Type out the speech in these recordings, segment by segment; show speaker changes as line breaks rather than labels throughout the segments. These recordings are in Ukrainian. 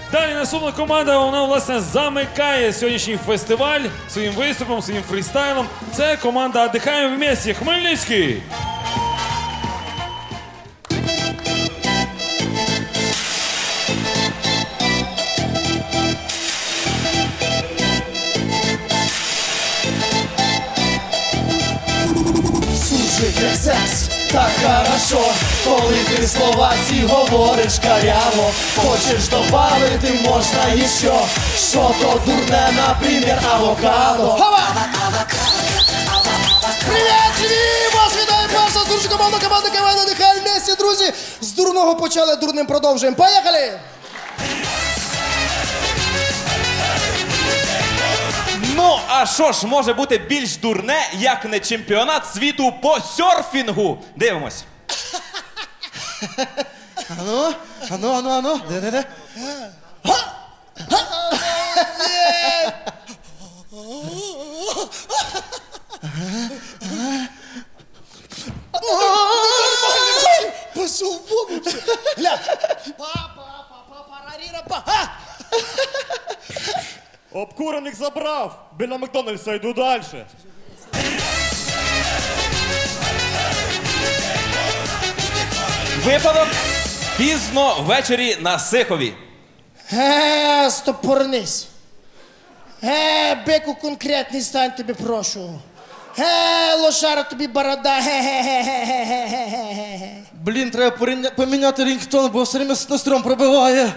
Далі наступна команда, вона, власне, замикає сьогоднішній фестиваль своїм виступом, своїм фрістайлом. Це команда «Отдыхаем вместе» Хмельницький.
Як секс, так хорошо, коли ти слова ці говориш каряво. Хочеш добавити, можна іще. Що то дурне, наприклад, авокадо.
Привіт, Львів! Вас вітає перша зустріч команда КВН «Отдыхаем вместе», друзі! З дурного почали, дурним продовжуємо. Поїхали!
Ну, а що ж може бути більш дурне, як не чемпіонат світу по серфінгу? Дивимось.
Ану. Де? Пошел вон вообще. Гля.
Обкурених забрав. Біля Макдональдса йду далі.
Випадок пізно ввечері на Сихові.
Стопорнись. Бику конкретний стань, тобі прошу. Лошара тобі борода.
Блін, треба поміняти рінгтон, бо все время стром пробиває.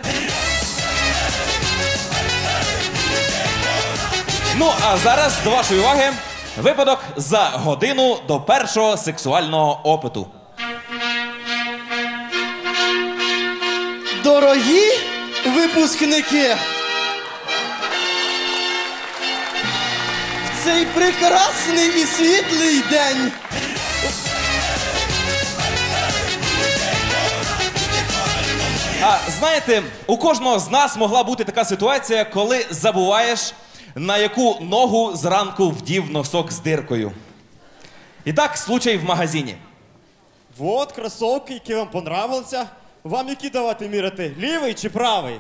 Ну, а зараз, до вашої уваги, випадок за годину до першого сексуального опиту.
Дорогі випускники! В цей прекрасний і світлий день
А знаєте, у кожного з нас могла бути така ситуація, коли забуваєш, на яку ногу зранку вдів носок з диркою. І так, случай в магазині.
Вот кросовки, які вам понравилися. Вам які давати міряти? Лівий чи правий?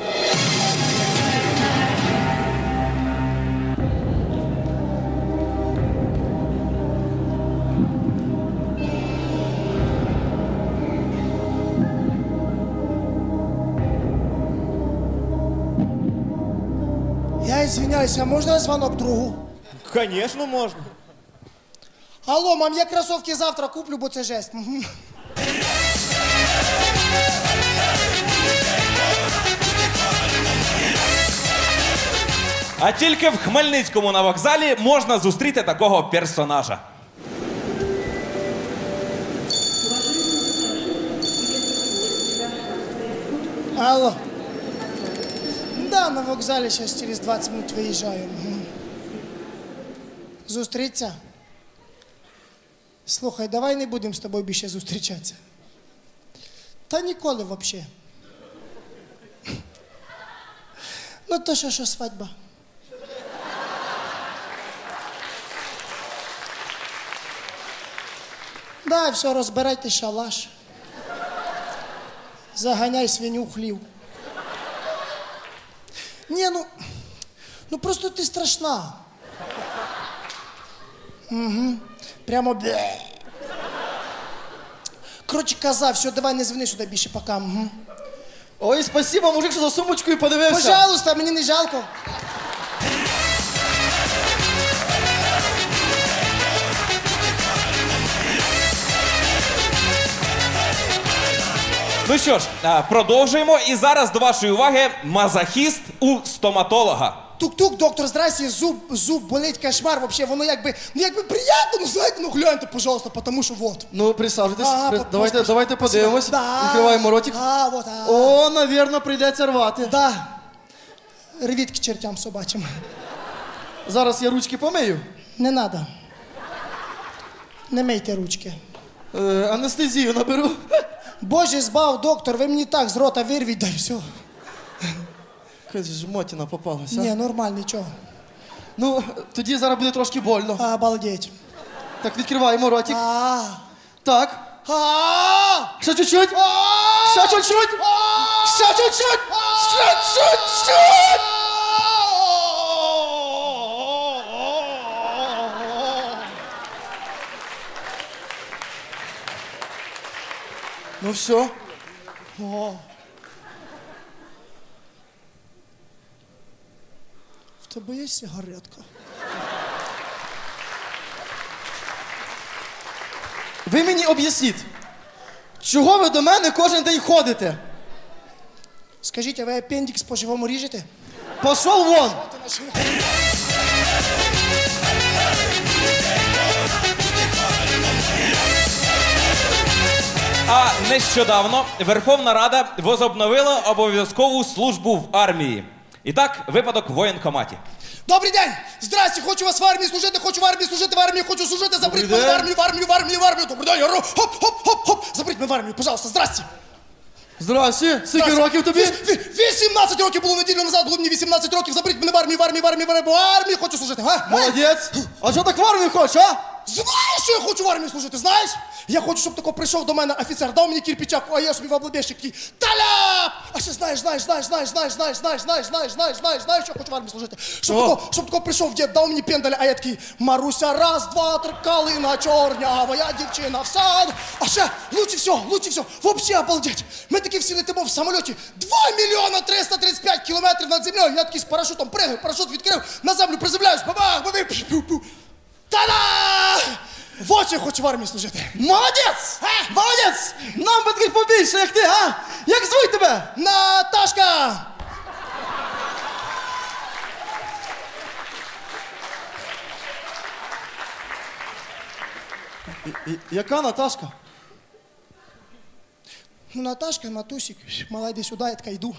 Я извиняюсь, а можна звонок другу?
Звісно, можна.
Алло, мам, я кросовки завтра куплю, бо це жесть. Мгм.
А тільки в Хмельницькому на вокзалі можна зустріти такого персонажа.
Алло. Да, на вокзалі зараз через 20 минут виїжджаю. Мгм. Зустріться? Слухай, давай не будемо з тобою більше зустрічатися. Та ніколи взагалі. Ну то що свадьба? Да, все, розбирайте шалаш. Заганяй свиню в хлів. Ні, ну просто ти страшна. Угу. Прямо бе. Коротше, коза, все, давай не дзвони сюди більше, пока. Угу.
Ой, спасибо, мужик, що за сумочкою подивився.
Пожалуйста, мені не жалко.
Ну що ж, продовжуємо. І зараз до вашої уваги мазохіст у стоматолога.
Тук-тук, доктор, здрасте, зуб болить, кошмар, вообще, воно якби приємно, ну знаєте, ну гляньте, пожалуйста, потому що вот.
Ну, присаджуйтесь,
Ага,
давайте подивимось.
Да.
Відкриваємо ротик.
Вот.
О, навірно, прийдеться рвати.
Да. Рвіть к чертям собачим.
Зараз я ручки помию.
Не надо. Не мийте ручки.
Анестезію наберу.
Боже, збав, доктор, ви мені так з рота вирвіть, да й все.
Якась жмотіна попалася.
Ні, нормально, нічого.
Ну, тоді зараз буде трошки больно.
Обалдеть.
Так, відкриваємо ротик. Так. Ще чуть-чуть. Ще чуть-чуть.
Ще чуть-чуть! Ще чуть-чуть! Ну все. О. В тебе є сигаретка? Ви мені об'ясніть, чого ви до мене кожен день ходите? Скажіть, а ви апендикс по-живому ріжете? Пошов вон!
А нещодавно Верховна Рада возобновила обов'язкову службу в армії. І так, випадок в воєнкоматі.
Добрий день! Здрасте, хочу вас в армії служити, хочу в армії служити, в армії хочу служити, заберіть мене в армію, в армію, в армію, в армію. Добрий день, ору, хоп, хоп, хоп, хоп, заберіть мене в армію, пожалуйста, здрасте.
Здрасте, скільки років тобі?
18 років було неділю назад, було мені 18 років, заберіть мене в армію, в армію, в армію, в армію, хочу служити, га?
Молодець. А що так в армію хочеш, а?
Знаєш, що я хочу в армію служити, знаєш? Я хочу, щоб тако прийшов до мене офіцер, дав мені кирпичак, а я собі в облабєшник такий, таляп! А ще знаєш, що я хочу в армії служити. Щоб тако прийшов дід, дав мені пендаля, а я такий, Маруся, раз, два, три, калина чорнява, я дівчина в саду. А ще, лучше все, вообще обалдеть. Ми такі всі летимо в самольоті, 2 мільйона 335 кілометрів над землею, я такий з парашутом пригаю, парашут відкрив, на землю приземляюсь, бабах, бабах, пу-пу. Та-да! Вот я хочу в армії служити.
Молодець! Молодець! Нам би таких побільше, як ти, а? Як звуть тебе?
Наташка!
Яка Наташка?
Ну, Наташка, Натусик, мала, йди сюди, я така йду.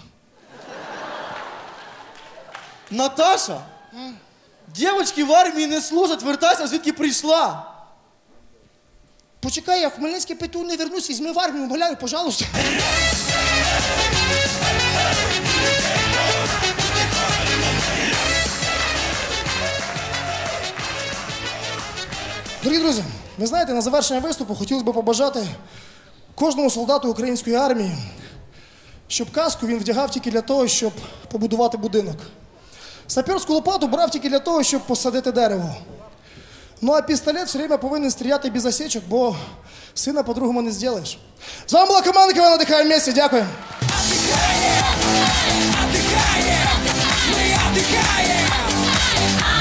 Наташа? Дівочки в армії не служать, вертайся, звідки прийшла.
Почекай, я в Хмельницький ПТУ не вернусь, візьми в армію, умоляю, пожалуйста. Дорогі друзі, ви знаєте, на завершення виступу хотілося б побажати кожному солдату української армії, щоб каску він вдягав тільки для того, щоб побудувати будинок. Саперську лопату брав тільки для того, щоб посадити дерево. Ну а пістолет все время повинен стріляти без осечок, бо сина по-другому не зробиш. З вами була команда КВН «Отдыхаем вместе». Дякую.
Отдыхаем, мы отдыхаем.